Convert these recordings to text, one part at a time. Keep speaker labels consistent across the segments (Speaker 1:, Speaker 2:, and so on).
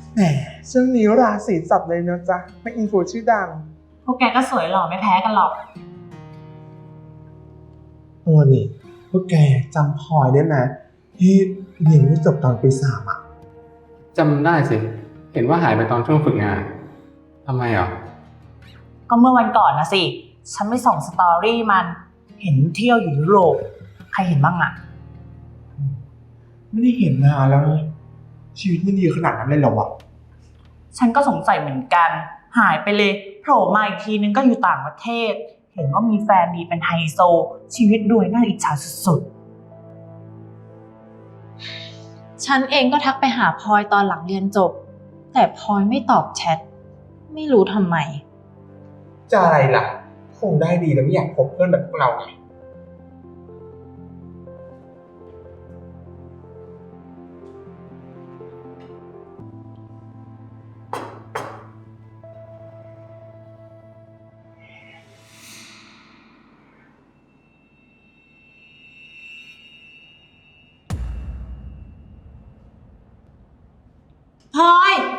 Speaker 1: แหมช่วงนี้ราศีจับเลยนะจ๊ะเป็นอินฟูชื่อดัง
Speaker 2: พวกแกก็สวยหล่อไม่แพ้กันหรอก
Speaker 1: นี่พวกแกจำพลอยได้ไหมที่เรียนไม่จบตอนปี 3อ่ะ
Speaker 3: จำได้สิ เห็นว่าหายไปตอนช่วงฝึกงาน ทำไมอ่ะ
Speaker 2: ก็เมื่อวันก่อนนะสิ ฉันไปส่องสตอรี่มัน เห็นเที่ยวอยู่ยุโรป ใครเห็นบ้างอะ
Speaker 1: ไม่ได้เห็นนานแล้วนะชีวิตมันดีขนาดนั้นเลยเหรอวะ
Speaker 2: ฉันก็สงสัยเหมือนกัน หายไปเลยโผล่มาอีกทีนึงก็อยู่ต่างประเทศ เห็นว่ามีแฟนดีเป็นไฮโซ ชีวิตรวยน่าอิจฉาสุด
Speaker 4: ฉันเองก็ทักไปหาพลอยตอนหลังเรียนจบ แต่พลอยไม่ตอบแชท ไม่รู้ทำไม
Speaker 1: จะอะไรล่ะ คงได้ดีแล้วไม่อยากคบเพื่อนแบบพวกเราไง
Speaker 2: ๆพลอย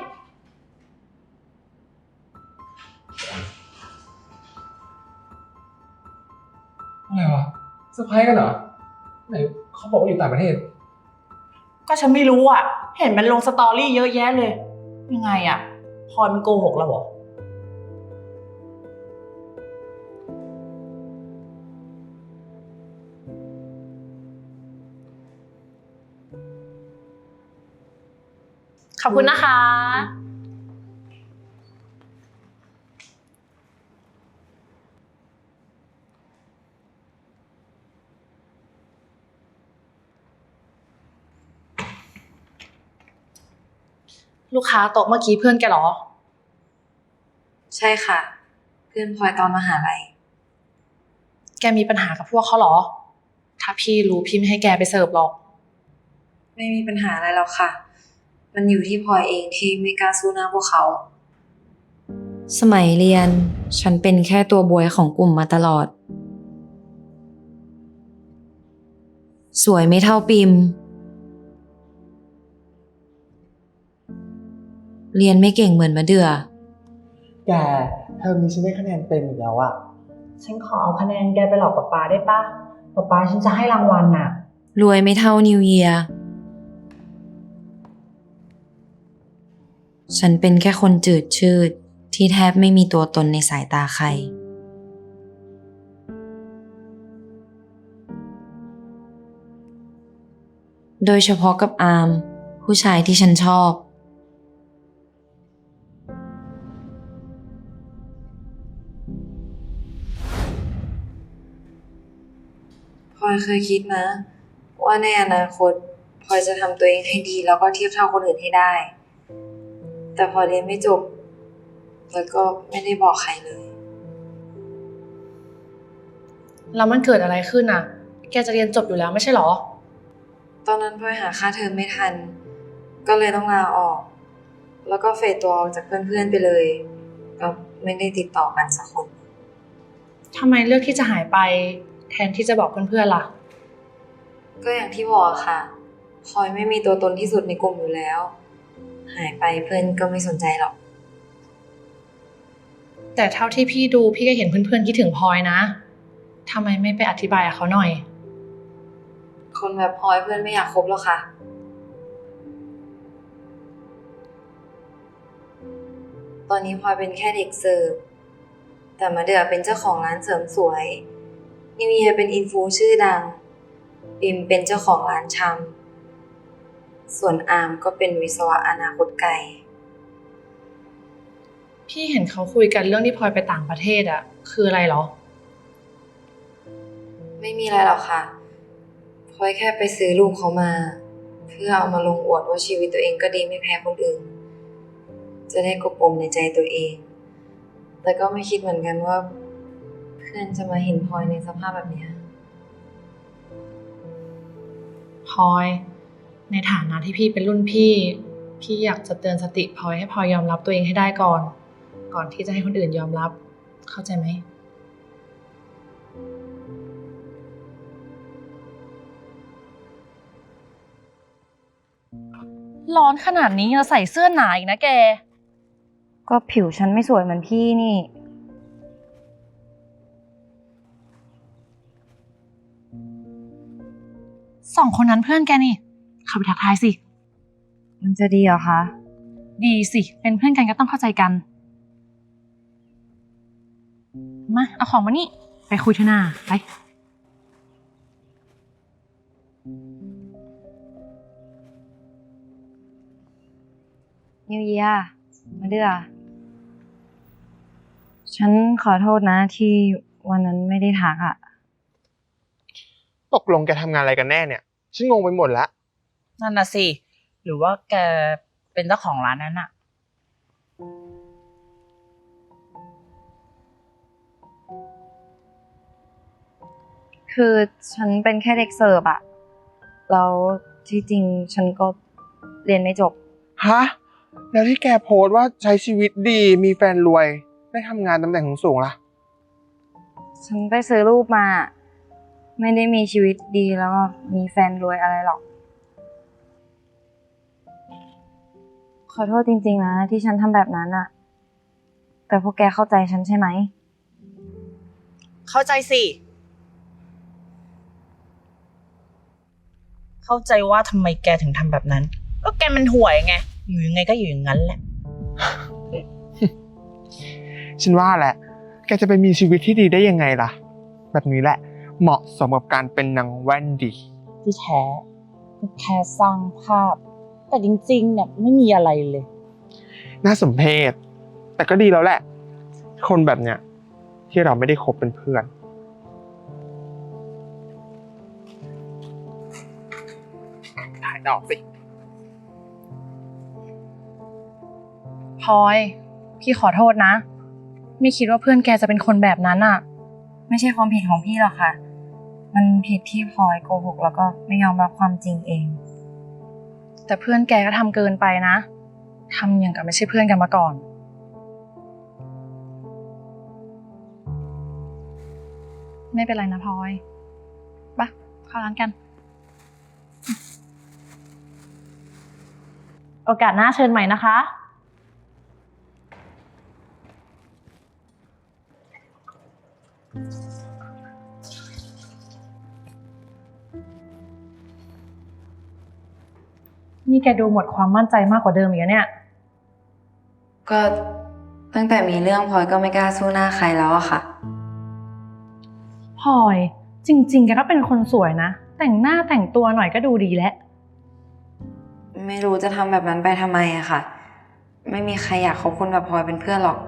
Speaker 3: อะไรวะเซอร์ไพรส์กันเหรอ ไหนเขาบอกว่าอยู่ต่างประเทศ
Speaker 2: ก็ฉันไม่รู้อะเห็นมันลงสตอรี่เยอะแยะเลย ยังไงอะพลอยมันโกหกเราเหรอ ขอบคุณนะคะ ลูกค้าโต๊ะเมื่อกี้เพื่อนแกเหรอ
Speaker 5: ใช่ค่ะ เพื่อนพลอยตอนมหาลัย
Speaker 2: แกมีปัญหากับพวกเขาเหรอ ถ้าพี่รู้พี่ไม่ให้แกไปเสิร์ฟหรอก
Speaker 5: ไม่มีปัญหาอะไรหรอกค่ะ มันอยู่ที่พลอยเองที่ไม่กล้าสู้หน้าพวกเขา สมัยเรียนฉันเป็นแค่ตัวบวยของกลุ่มมาตลอด สวยไม่เท่าปิม เรียนไม่เก่งเหมือนมะเดื่อ
Speaker 1: แกเทอมนี้ฉันได้คะแนนเต็มอีกแล้วอะ
Speaker 2: ฉันขอเอาคะแนนแกไปหลอกป๊าได้ปะป๊าฉันจะให้รางวัลน่ะ
Speaker 5: รวยไม่เท่านิวเยียร์ฉันเป็นแค่คนจืดชืดที่แทบไม่มีตัวตนในสายตาใคร โดยเฉพาะกับอาร์มผู้ชายที่ฉันชอบพลอยเคยคิดนะ ว่าในอนาคตพลอยจะทำตัวเองให้ดีแล้วก็เทียบเท่าคนอื่นให้ได้ แต่พอเรียนไม่จบแล้วก็ไม่ได้บอกใครเลย
Speaker 2: แล้วมันเกิดอะไรขึ้นอ่ะ แกจะเรียนจบอยู่แล้วไม่ใช่หรอ
Speaker 5: ตอนนั้นพลอยหาค่าเทอมไม่ทัน ก็เลยต้องลาออก แล้วก็เฟดตัวออกจากเพื่อนๆไปเลย ก็ไม่ได้ติดต่อกันสักคน
Speaker 2: ทำไมเลือกที่จะหายไปแทนที่จะบอกเพื่อนๆล่ะ
Speaker 5: ก็อย่างที่บอกค่ะพลอยไม่มีตัวตนที่สุดในกลุ่มอยู่แล้ว หายไปเพื่อนก็ไม่สนใจหรอก
Speaker 2: แต่เท่าที่พี่ดูพี่ก็เห็นเพื่อนๆคิดถึงพลอยนะ ทำไมไม่ไปอธิบายกับเขาหน่อย
Speaker 5: คนแบบพลอยเพื่อนไม่อยากคบหรอกค่ะ ตอนนี้พลอยเป็นแค่เด็กเสิร์ฟ แต่มาเดือเป็นเจ้าของร้านเสริมสวย นิวเยียเป็นอินฟูชื่อดัง ปิมเป็นเจ้าของร้านชำ ส่วนอาร์มก็เป็นวิศวะอนาคตไกล
Speaker 2: พี่เห็นเขาคุยกันเรื่องที่พลอยไปต่างประเทศอะคืออะไรเหรอ
Speaker 5: ไม่มีอะไรหรอกค่ะพลอยแค่ไปซื้อรูปเขามา เพื่อเอามาลงอวดว่าชีวิตตัวเองก็ดีไม่แพ้คนอื่น จะได้กบปมในใจตัวเอง แต่ก็ไม่คิดเหมือนกันว่า เพื่อนจะมาเห็นพลอยในสภาพแบบเนี้ย
Speaker 2: พลอย ในฐานะที่พี่เป็นรุ่นพี่ พี่อยากจะเตือนสติพลอยให้พลอยยอมรับตัวเองให้ได้ก่อน ก่อนที่จะให้คนอื่นยอมรับ เข้าใจไหมร้อนขนาดนี้เราใส่เสื้อหนาอีกนะแก
Speaker 5: ก็ผิวฉันไม่สวยเหมือนพี่นี่
Speaker 2: สองคนนั้นเพื่อนแกนี่ เข้าไปทักทายสิ
Speaker 5: มันจะดีเหรอคะ
Speaker 2: ดีสิ เป็นเพื่อนกันก็ต้องเข้าใจกัน มา เอาของมานี่ ไปคุยเถอะนาไป
Speaker 5: นิวเยียมาเดือฉันขอโทษนะที่วันนั้นไม่ได้ทักอ่ะ
Speaker 1: ตกลงแกทำงานอะไรกันแน่เนี่ย ฉันงงไปหมดละ
Speaker 6: นั่นน่ะสิ หรือว่าแกเป็นเจ้าของร้านนั้นอะ
Speaker 5: คือฉันเป็นแค่เด็กเสิร์ฟอะแล้วที่จริงฉันก็เรียนไม่จบ
Speaker 1: ฮะ แล้วที่แกโพสต์ว่าใช้ชีวิตดี มีแฟนรวย ได้ทำงานตำแหน่งสูงๆล่ะ
Speaker 5: ฉันไปซื้อรูปมา ไม่ได้มีชีวิตดีแล้วก็มีแฟนรวยอะไรหรอก ขอโทษจริงๆนะที่ฉันทำแบบนั้นอะแต่พวกแกเข้าใจฉันใช่ไหม
Speaker 6: เข้าใจสิ เข้าใจว่าทำไมแกถึงทำแบบนั้น ก็แกมันห่วยไง อยู่ยังไงก็อยู่อย่างนั้นแหละ
Speaker 1: ฉันว่าแหละ แกจะไปมีชีวิตที่ดีได้ยังไงล่ะ แบบนี้แหละ เหมาะสมกับการเป็นนางแว่นดี
Speaker 6: ที่แท้ก็แค่สร้างภาพ แต่จริงๆเนี่ยไม่มีอะไรเลย
Speaker 1: น่าสมเพช แต่ก็ดีแล้วแหละ คนแบบเนี้ยที่เราไม่ได้คบเป็นเพื่อน ถ่ายดอกสิ
Speaker 2: พลอย พี่ขอโทษนะ ไม่คิดว่าเพื่อนแกจะเป็นคนแบบนั้นอะ
Speaker 5: ไม่ใช่ความผิดของพี่หรอกค่ะ มันผิดที่พลอยโกหกแล้วก็ไม่ยอมรับความจริงเอง
Speaker 2: แต่เพื่อนแกก็ทำเกินไปนะ ทำอย่างกับไม่ใช่เพื่อนกันมาก่อน ไม่เป็นไรนะพลอยไปเข้าร้านกัน โอกาสหน้าเชิญใหม่นะคะ นี่แกดูหมดความมั่นใจมากกว่าเดิมอีกแล้วเนี่ย
Speaker 5: ก็ตั้งแต่มีเรื่องพลอยก็ไม่กล้าสู้หน้าใครแล้วอะค่ะ
Speaker 2: พลอยจริงๆแกก็เป็นคนสวยนะ แต่งหน้าแต่งตัวหน่อยก็ดูดีแล้ว
Speaker 5: ไม่รู้จะทำแบบนั้นไปทำไมอะค่ะ ไม่มีใครอยากคบคนแบบพลอยเป็นเพื่อนหรอก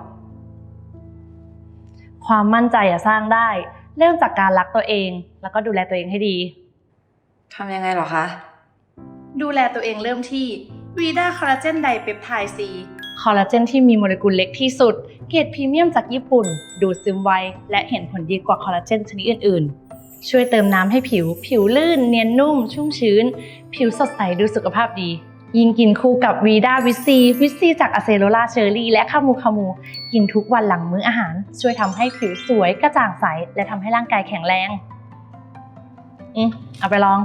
Speaker 2: ความมั่นใจอะสร้างได้ เริ่มจากการรักตัวเอง แล้วก็ดูแลตัวเองให้ดี
Speaker 5: ทำยังไงหรอคะ
Speaker 2: ดูแลตัวเองเริ่มที่วีด้าคอลลาเจนไดเปปไทด์ซีคอลลาเจนที่มีโมเลกุลเล็กที่สุด เกรดพรีเมียมจากญี่ปุ่น ดูดซึมไว และเห็นผลดีกว่าคอลลาเจนชนิดอื่นๆ ช่วยเติมน้ำให้ผิวลื่น เนียนนุ่ม ชุ่มชื้น ผิวสดใสดูสุขภาพดี ยิ่งกินคู่กับวีด้าวิตซีจากอะเซโลลาเชอร์รี่และคามูกินทุกวันหลังมื้ออาหาร ช่วยทำให้ผิวสวยกระจ่างใส และทำให้ร่างกายแข็งแรงเอาไปลอง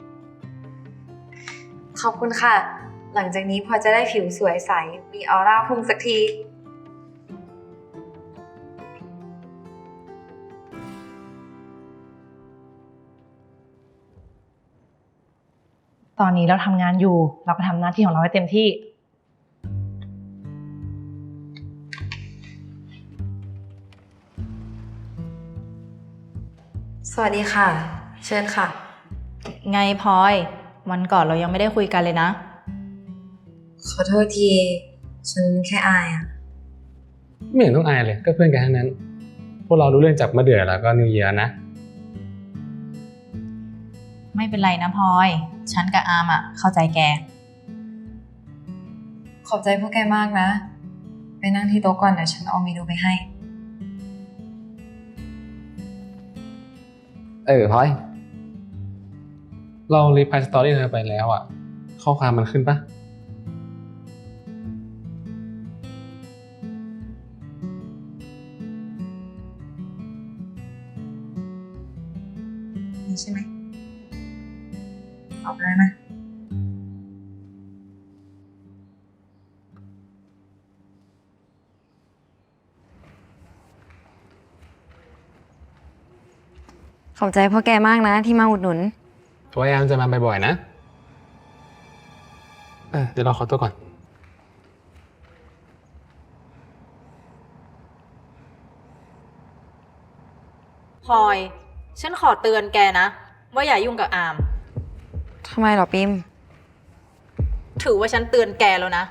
Speaker 5: ขอบคุณค่ะ หลังจากนี้พลอยจะได้ผิวสวยใส มีออร่าพุ่งสักที
Speaker 2: ตอนนี้เราทำงานอยู่ เราก็ทำหน้าที่ของเราให้เต็มที่
Speaker 5: สวัสดีค่ะ เชิญค่ะ
Speaker 4: ไงพลอย วันก่อนเรายังไม่ได้คุยกันเลยนะ
Speaker 5: ขอโทษที ฉันแค่อายอะ
Speaker 3: ไม่เห็นต้องอายเลย ก็เพื่อนกันทั้งนั้น พวกเรารู้เรื่องจากมะเดื่อแล้วก็นิวเยียร์นะ
Speaker 4: ไม่เป็นไรนะพลอย ฉันกับอาร์มอะเข้าใจแก
Speaker 5: ขอบใจพวกแกมากนะ ไปนั่งที่โต๊ะก่อนเดี๋ยวฉันเอาเมนูไปให้
Speaker 3: พลอย เรารีพลายสตอรี่เธอไปแล้วอ่ะ ข้อความมันขึ้นปะ
Speaker 5: นี่ใช่ไหมตอบเลยนะขอบใจพ่อแกมากนะที่มาอุดหนุน
Speaker 3: พยายามจะมาบ่อยๆนะ เดี๋ยวเราขอตัวก่อน
Speaker 4: พลอย ฉันขอเตือนแกนะ ว่าอย่ายุ่งกับอาม
Speaker 5: ทำไมหรอปิม
Speaker 4: ถือว่าฉันเตือนแกแล้วนะ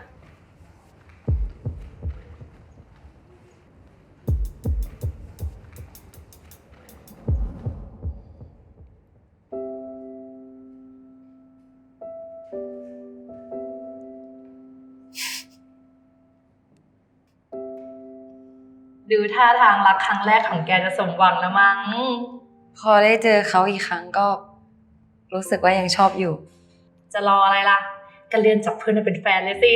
Speaker 2: ดูท่าทางรักครั้งแรกของแกจะสมหวังแล้วมั้ง
Speaker 5: พอได้เจอเขาอีกครั้งก็รู้สึกว่ายังชอบอยู่
Speaker 2: จะรออะไรล่ะก็เลื่อนจับเพื่อนมาเป็นแฟนเลยสิ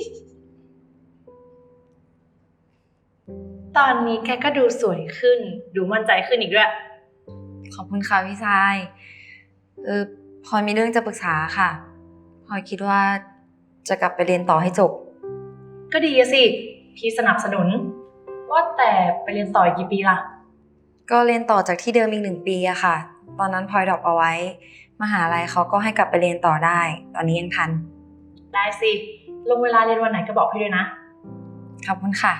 Speaker 2: ตอนนี้แกก็ดูสวยขึ้น ดูมั่นใจขึ้นอีกด้วย
Speaker 5: ขอบคุณค่ะพี่ชายพลอยมีเรื่องจะปรึกษาค่ะพลอยคิดว่าจะกลับไปเรียนต่อให้จบ
Speaker 2: ก็ดีอะสิ พี่สนับสนุน ว่าแต่ไปเรียนต่ออีกกี่ปีล่ะ
Speaker 5: ก็เรียนต่อจากที่เดิมอีก1 ปีอะค่ะ ตอนนั้นพลอยดรอปเอาไว้ มหาลัยเขาก็ให้กลับไปเรียนต่อได้ ตอนนี้ยังทัน
Speaker 2: ได้สิ ลงเวลาเรียนวันไหนก็บอกพี่ด้วยนะ
Speaker 5: ขอบคุณค่ะ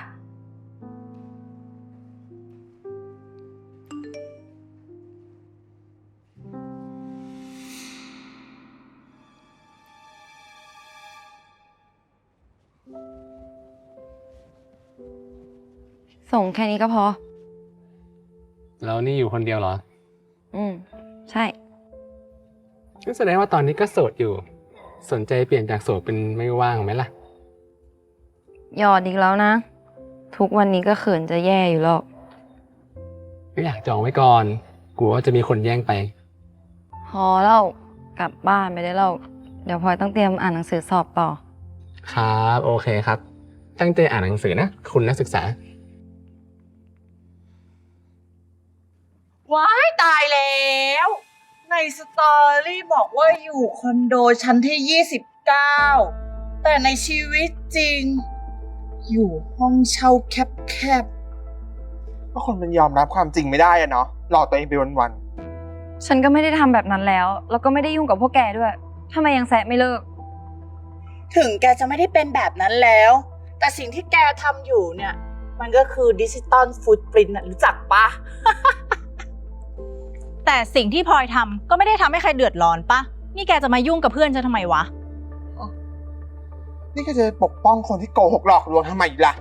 Speaker 5: ส่งแค่นี้ก็พอ
Speaker 3: แล้วนี่อยู่คนเดียวเหรอ
Speaker 5: ใช่
Speaker 3: ก็แสดงว่าตอนนี้ก็โสดอยู่ สนใจเปลี่ยนจากโสดเป็นไม่ว่างไหมล่ะ
Speaker 5: หยอดอีกแล้วนะ ทุกวันนี้ก็เขินจะแย่อยู่หรอก
Speaker 3: ก็อยากจองไว้ก่อน กลัวว่าจะมีคนแย่งไป
Speaker 5: พอแล้วกลับบ้านไปได้แล้วเดี๋ยวพลอยต้องเตรียมอ่านหนังสือสอบต่อ
Speaker 3: ครับ โอเคครับ ตั้งใจอ่านหนังสือนะ คุณนักศึกษา
Speaker 6: ว้ายตายแล้ว ในสตอรี่บอกว่าอยู่คอนโดชั้นที่ 29 แต่ในชีวิตจริง อยู่ห้องเช่าแคบ
Speaker 1: ก็คนมันยอมรับความจริงไม่ได้อะเนาะหลอกตัวเองไปวัน
Speaker 5: ฉันก็ไม่ได้ทำแบบนั้นแล้ว แล้วก็ไม่ได้ยุ่งกับพวกแกด้วยทำไมยังแซะไม่เลิก
Speaker 6: ๆ ถึงแกจะไม่ได้เป็นแบบนั้นแล้ว แต่สิ่งที่แกทำอยู่เนี่ย มันก็คือดิจิตอลฟุตปรินท์น่ะรู้จักปะ
Speaker 4: แต่สิ่งที่พลอยทำก็ไม่ได้ทำให้ใครเดือดร้อนปะ นี่แกจะมายุ่งกับเพื่อนฉันทำไมวะ
Speaker 1: นี่ก็จะปกป้องคนที่โกหกหลอกลวงทำไมล่ะ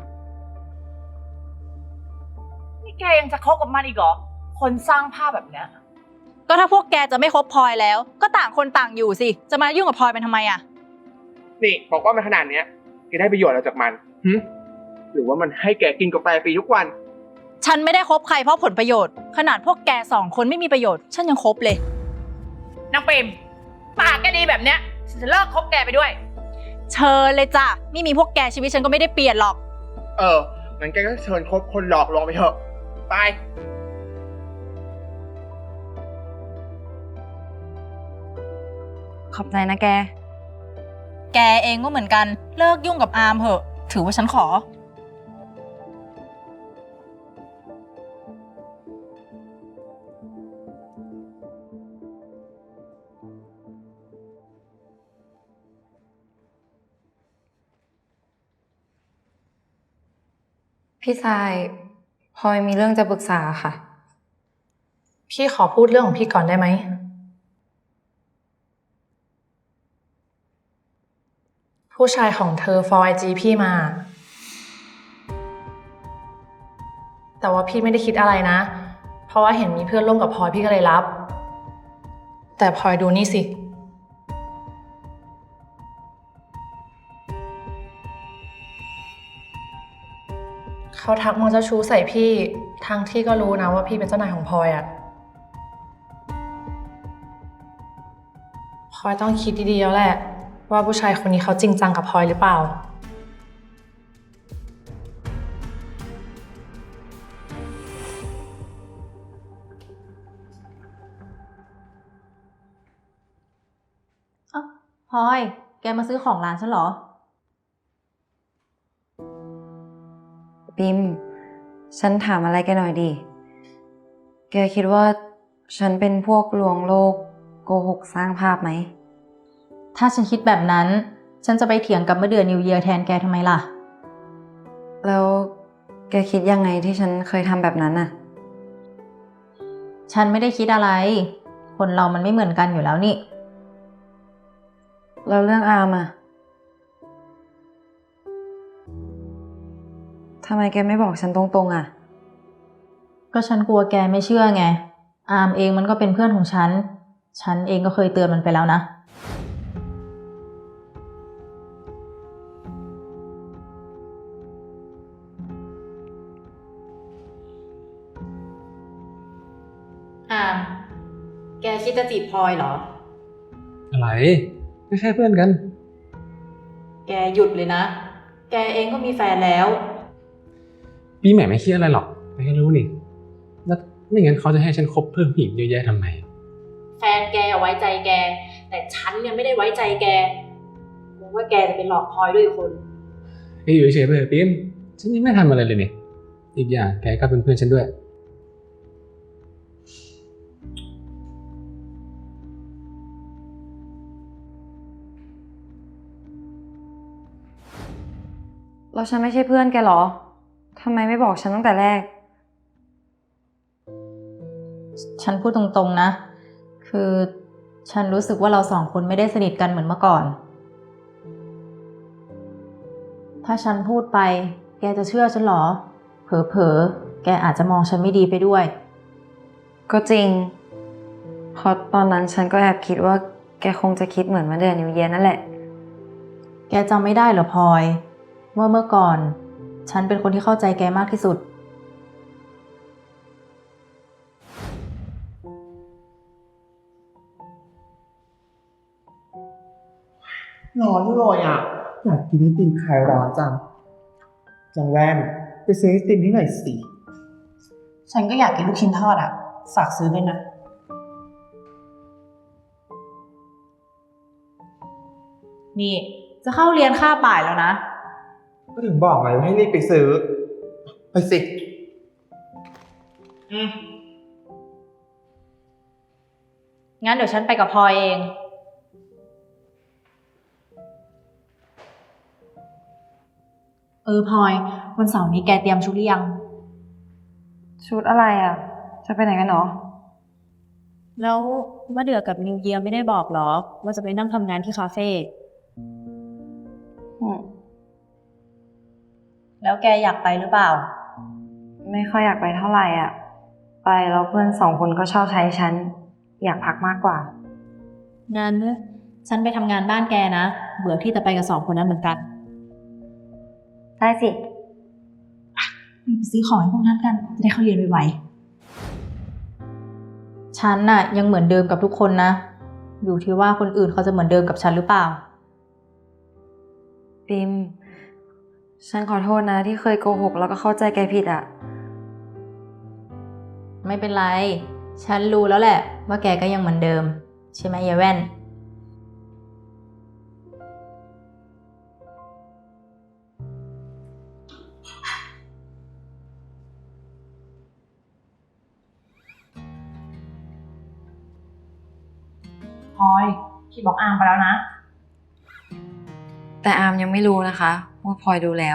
Speaker 6: นี่แกยังจะคบกับมันอีกเหรอ คนสร้างภาพแบบเนี้ย
Speaker 4: ก็ถ้าพวกแกจะไม่คบพลอยแล้ว ก็ต่างคนต่างอยู่สิ จะมายุ่งกับพลอยเป็นทำไมอะ
Speaker 1: นี่บอกว่ามันขนาดเนี้ยแกได้ประโยชน์อะไรจากมันหรือว่ามันให้แกกินกาแฟฟรีทุกวัน
Speaker 4: ฉันไม่ได้คบใครเพราะผลประโยชน์ ขนาดพวกแก2 คนไม่มีประโยชน์ ฉันยังคบเลย
Speaker 2: นางเปรมปากแกดีแบบเนี้ยฉันจะเลิกคบแกไปด้วย
Speaker 4: เชิญเลยจ้ะ ไม่มีพวกแกชีวิตฉันก็ไม่ได้เปลี่ยนหรอก
Speaker 1: งั้นแกก็เชิญคบคนหลอกลวงไปเถอะ ไป
Speaker 5: ขอบใจนะแก
Speaker 4: แกเองก็เหมือนกัน เลิกยุ่งกับอาร์มเถอะ ถือว่าฉันขอ
Speaker 5: พี่ชายพลอยมีเรื่องจะปรึกษาค่ะ
Speaker 2: พี่ขอพูดเรื่องของพี่ก่อนได้ไหม ผู้ชายของเธอ for IG พี่มา แต่ว่าพี่ไม่ได้คิดอะไรนะ เพราะว่าเห็นมีเพื่อนร่วมกับพลอยพี่ก็เลยรับ แต่พลอยดูนี่สิ เขาทักมองเจ้าชู้ใส่พี่ทั้งที่ก็รู้นะว่าพี่เป็นเจ้านายของพลอยอะพลอยต้องคิดดีๆแล้วแหละ ว่าผู้ชายคนนี้เขาจริงจังกับพลอยหรือเปล่า
Speaker 4: พลอย แกมาซื้อของร้านฉันเหรอ
Speaker 5: ปิม ฉันถามอะไรแกหน่อยดิ แกคิดว่าฉันเป็นพวกลวงโลกโกหกสร้างภาพไหม
Speaker 4: ถ้าฉันคิดแบบนั้น ฉันจะไปเถียงกับเมื่อเดือนนิวเยียร์แทนแกทำไมล่ะ
Speaker 5: แล้วแกคิดยังไงที่ฉันเคยทำแบบนั้นน่ะ
Speaker 4: ฉันไม่ได้คิดอะไร คนเรามันไม่เหมือนกันอยู่แล้วนี่
Speaker 5: แล้วเรื่องอาร์มอะทำไมแกไม่บอกฉันตรงๆอะ
Speaker 4: ก็ฉันกลัวแกไม่เชื่อไง อามเองมันก็เป็นเพื่อนของฉัน ฉันเองก็เคยเตือนมันไปแล้วนะ อาม แกคิดจะจีบพลอยเหรอ
Speaker 3: อะไรไม่ใช่เพื่อนกัน
Speaker 4: แกหยุดเลยนะ แกเองก็มีแฟนแล้ว
Speaker 3: ปีใหม่ไม่คิดอะไรหรอกแต่แค่รู้นี่แล้วไม่งั้นเขาจะให้ฉันคบเพื่อนผู้หญิงเยอะแยะทำไม
Speaker 4: แฟนแกไว้ใจแก แต่ฉันเนี่ยไม่ได้ไว้ใจแกกลัวว่าแกจะไปหลอกพลอยด้วยอีกคน
Speaker 3: อยู่เฉยๆไปเถอะปิ๊มฉันยังไม่ทำอะไรเลยนี่อีกอย่างแกก็เป็นเพื่อนฉันด้วย
Speaker 5: แล้วฉันไม่ใช่เพื่อนแกเหรอ ทำไมไม่บอกฉันตั้งแต่แรก
Speaker 4: ฉันพูดตรงๆนะ คือฉันรู้สึกว่าเราสองคนไม่ได้สนิทกันเหมือนเมื่อก่อน ถ้าฉันพูดไป แกจะเชื่อฉันเหรอ เผลอๆ แกอาจจะมองฉันไม่ดีไปด้วย
Speaker 5: ก็จริง เพราะตอนนั้นฉันก็แอบคิดว่าแกคงจะคิดเหมือนมาเดือนนิวเยียร์นั่นแหละ
Speaker 4: แกจำไม่ได้เหรอพลอย ว่าเมื่อก่อน ฉันเป็นคนที่เข้าใจแกมากที่สุด
Speaker 1: ร้อนเลยอ่ะ อยากกินไอติมคลายร้อนจังจังแว่นไปซื้อไอติมที่ไหนสิ
Speaker 2: ฉันก็อยากกินลูกชิ้นทอดอะฝากซื้อด้วยนะ
Speaker 4: นี่ จะเข้าเรียนค่าบ่ายแล้วนะ
Speaker 1: ก็ถึงบอกไงว่าให้รีบไปซื้อ ไปสิ
Speaker 4: งั้นเดี๋ยวฉันไปกับพลอยเอง พลอย วันเสาร์นี้แกเตรียมชุดหรือยัง
Speaker 5: ชุดอะไรอ่ะ จะไปไหนกันหรอ
Speaker 7: แล้วว่าเดือกับนิวเยียร์ไม่ได้บอกหรอ ว่าจะไปนั่งทำงานที่คาเฟ่
Speaker 4: แล้วแกอยากไปหรือเปล่า
Speaker 5: ไม่ค่อยอยากไปเท่าไหร่อ่ะ ไปแล้วเพื่อนสองคนก็ชอบใช้ฉัน อยากพักมากกว่า
Speaker 7: งั้น
Speaker 4: ฉันไปทำงานบ้านแกนะ เบื่อที่จะไปกับสองคนนั้นเหมือนกัน
Speaker 5: ได้สิ
Speaker 4: ไปซื้อของให้พวกนั้นกัน จะได้เข้าเรียนไวๆฉันน่ะยังเหมือนเดิมกับทุกคนนะ อยู่ที่ว่าคนอื่นเขาจะเหมือนเดิมกับฉันหรือเปล่า
Speaker 5: ปิม ฉันขอโทษนะที่เคยโกหกแล้วก็เข้าใจแกผิดอ่ะ
Speaker 4: ไม่เป็นไร ฉันรู้แล้วแหละ ว่าแกก็ยังเหมือนเดิม ใช่ไหมยายแว่น
Speaker 2: พลอย พี่บอกอามไปแล้วนะ
Speaker 5: แต่อาร์มยังไม่รู้นะคะว่าพลอยดูแล้ว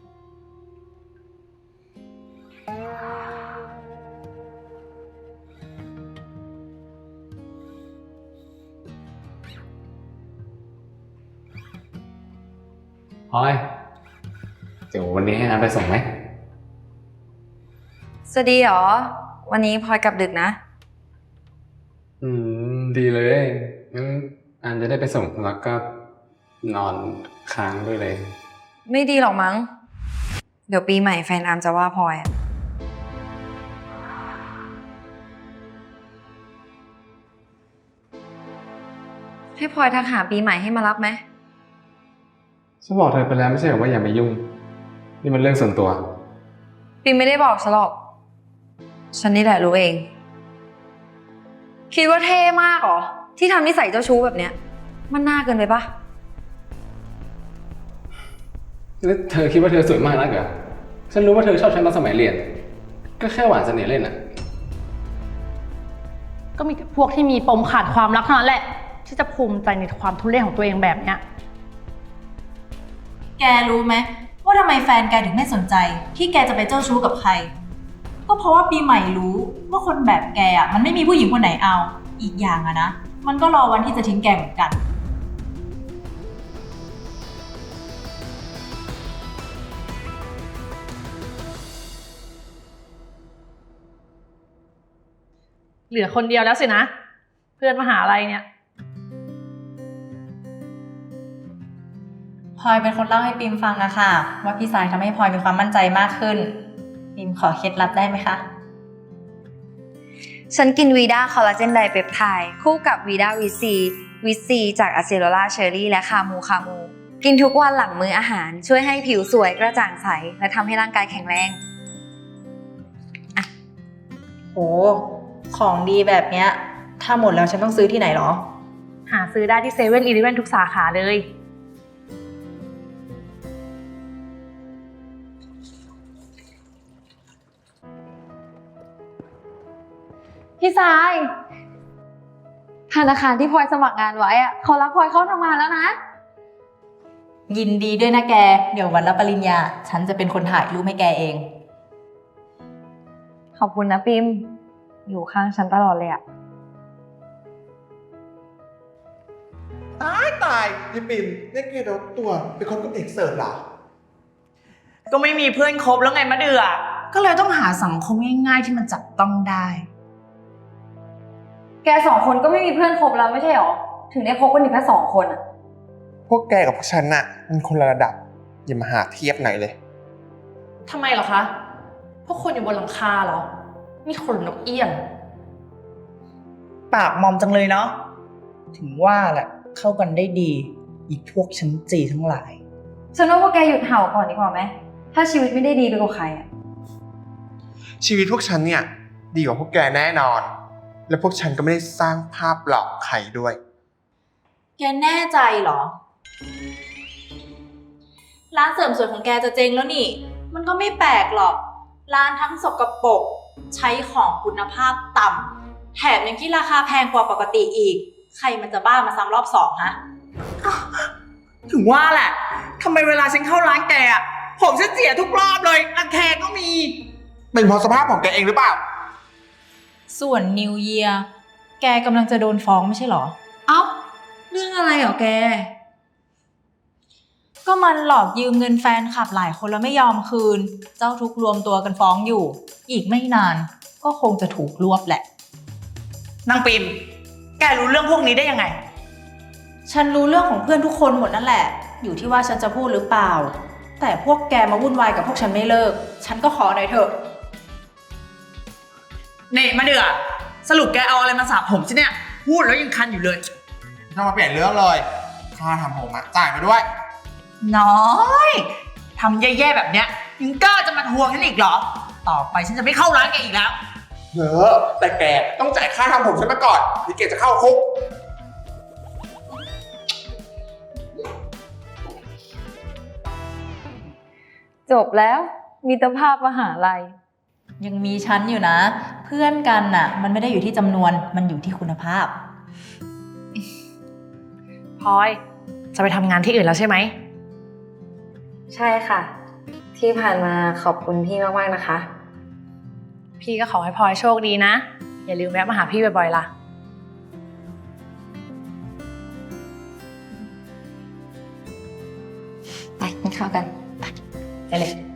Speaker 3: พลอยเดี๋ยววันนี้ให้น้ำไปส่งไหม
Speaker 5: สวัสดีเหรอ วันนี้พลอยกลับดึกนะ
Speaker 3: ดีเลยงั้นอันจะได้ไปส่งแล้วก็นอนค้างด้วยเลย
Speaker 5: ไม่ดีหรอกมั้ง เดี๋ยวปีใหม่แฟนอาร์มจะว่าพลอยอะให้พลอยทักหาปีใหม่ให้มารับไหม
Speaker 3: ฉันบอกเธอไปแล้วไม่ใช่เหรอว่าอย่ามายุ่ง นี่มันเรื่องส่วนตัว
Speaker 5: ปีไม่ได้บอกฉันหรอก ฉันนี่แหละรู้เอง คิดว่าเท่มากเหรอ ที่ทำนิสัยเจ้าชู้แบบเนี้ย มันน่าเกินไปปะ
Speaker 3: แล้วเธอคิดว่าเธอสวยมากนักเหรอ ฉันรู้ว่าเธอชอบฉันตอนสมัยเรียน ก็แค่หวานเสน่ห์เล่นอะ
Speaker 2: ก็มีแต่พวกที่มีปมขาดความรักเท่านั้นแหละ ที่จะภูมิใจในความทุเรศของตัวเองแบบเนี้ย
Speaker 4: แกรู้ไหมว่าทำไมแฟนแกถึงไม่สนใจ ที่แกจะไปเจ้าชู้กับใคร ก็เพราะว่าปีใหม่รู้ว่าคนแบบแกอ่ะมันไม่มีผู้หญิงคนไหนเอา อีกอย่างอะนะ มันก็รอวันที่จะทิ้งแกเหมือนกัน
Speaker 2: เหลือคนเดียวแล้วสินะ เพื่อนมหาลัยเนี่ย
Speaker 4: พลอยเป็นคนเล่าให้ปิมฟังอะค่ะว่าพี่สายทำให้พลอยมีความมั่นใจมากขึ้นปิมขอเคล็ดลับได้ไหมคะ
Speaker 5: ฉันกินวีด้าคอลลาเจนไดเปปไทด์คู่กับวีด้าวิซีจากอะเซโลล่าเชอรี่และคามู กินทุกวันหลังมื้ออาหารช่วยให้ผิวสวยกระจ่างใสและทำให้ร่างกายแข็งแรง
Speaker 4: โห ของดีแบบเนี้ย ถ้าหมดแล้วฉันต้องซื้อที่ไหนหรอ
Speaker 2: หาซื้อได้ที่7-Eleven ทุกสาขาเลย
Speaker 5: พี่สายธนาคารที่พลอยสมัครงานไว้อะเขารับพลอยเข้าทำงานแล้วนะ
Speaker 4: ยินดีด้วยนะแก เดี๋ยววันรับปริญญา ฉันจะเป็นคนถ่ายรูปให้แกเอง
Speaker 5: ขอบคุณนะปิมอยู่ข้างฉันตลอดเลยอะ
Speaker 1: ตายพี่ปิ่มนี่แกโดนตัวเป็นคนกับเอกเสิร์ฟเหรอ
Speaker 6: ก็ไม่มีเพื่อนคบแล้วไงมะเดือก็เลยต้องหาสังคมง่ายๆที่มันจับต้องได้
Speaker 5: แกสองคนก็ไม่มีเพื่อนคบแล้วไม่ใช่หรอ ถึงได้คบกันอยู่แค่2 คนอะ
Speaker 1: พวกแกกับพวกฉันน่ะมันคนละระดับ อย่ามาหาเทียบหน่อยเลย
Speaker 2: ทำไมเหรอคะ พวกคนอยู่บนหลังคาเหรอ นี่คนนกเอี้ยง
Speaker 6: ปากมอมจังเลยเนาะถึงว่าแหละเข้ากันได้ดี อีพวกชั้นจีทั้งหลาย
Speaker 5: ฉันว่าพวกแกหยุดเห่าก่อนดีกว่าไหม ถ้าชีวิตไม่ได้ดีไปกว่าใครอะ
Speaker 1: ชีวิตพวกฉันเนี่ยดีกว่าพวกแกแน่นอน และพวกฉันก็ไม่ได้สร้างภาพหลอกใครด้วย
Speaker 4: แกแน่ใจเหรอ ร้านเสริมสวยของแกจะเจ๊งแล้วนี่ มันก็ไม่แปลกหรอก ร้านทั้งสกปรกใช้ของคุณภาพต่ำแถมยังที่ราคาแพงกว่าปกติอีก ใครมันจะบ้ามาซ้ำรอบ2ฮะ
Speaker 6: ถึงว่าแหละทำไมเวลาฉันเข้าร้านแกอะผมฉันเสียทุกรอบเลยรังแคก็มี
Speaker 1: เป็นเพราะสภาพของแกเองหรือเปล่า
Speaker 4: ส่วน New Year แกกำลังจะโดนฟ้องไม่ใช่เหรอ
Speaker 5: เอ้า เรื่องอะไรเหรอแก
Speaker 4: ก็มันหลอกยืมเงินแฟนคลับหลายคนแล้วไม่ยอมคืน เจ้าทุกข์รวมตัวกันฟ้องอยู่ อีกไม่นานก็คงจะถูกรวบแหละ
Speaker 6: นางปิมแกรู้เรื่องพวกนี้ได้ยังไง
Speaker 4: ฉันรู้เรื่องของเพื่อนทุกคนหมดนั่นแหละ อยู่ที่ว่าฉันจะพูดหรือเปล่า แต่พวกแกมาวุ่นวายกับพวกฉันไม่เลิก ฉันก็ขอหน่อยเถอะ
Speaker 6: เน่มะเดือสรุปแกเอาอะไรมาสระผมฉันเนี่ย พูดแล้วยังคันอยู่เลย
Speaker 1: ถ้ามาเปลี่ยนเรื่องเลยค่าทำผมอะจ่ายมาด้วย
Speaker 6: น้อยทำแย่ๆแบบเนี้ยยังกล้าจะมาทวงฉันอีกเหรอ ต่อไปฉันจะไม่เข้าร้านแกอีกแล้ว
Speaker 1: เยอะแต่แกต้องจ่ายค่าทำผมฉันมาก่อนที่แกจะเข้าคุก
Speaker 5: จบแล้วมิตรภาพมหาลัย
Speaker 4: ยังมีฉันอยู่นะ เพื่อนกันน่ะ มันไม่ได้อยู่ที่จำนวน มันอยู่ที่คุณภาพ
Speaker 2: พลอย จะไปทำงานที่อื่นแล้วใช่ไหม
Speaker 5: ใช่ค่ะ ที่ผ่านมาขอบคุณพี่มากๆนะคะ
Speaker 2: พี่ก็ขอให้พลอยโชคดีนะ อย่าลืมแวะมาหาพี่บ่อยๆล่ะ
Speaker 5: ไปกินข้าวกัน
Speaker 2: ไปเลย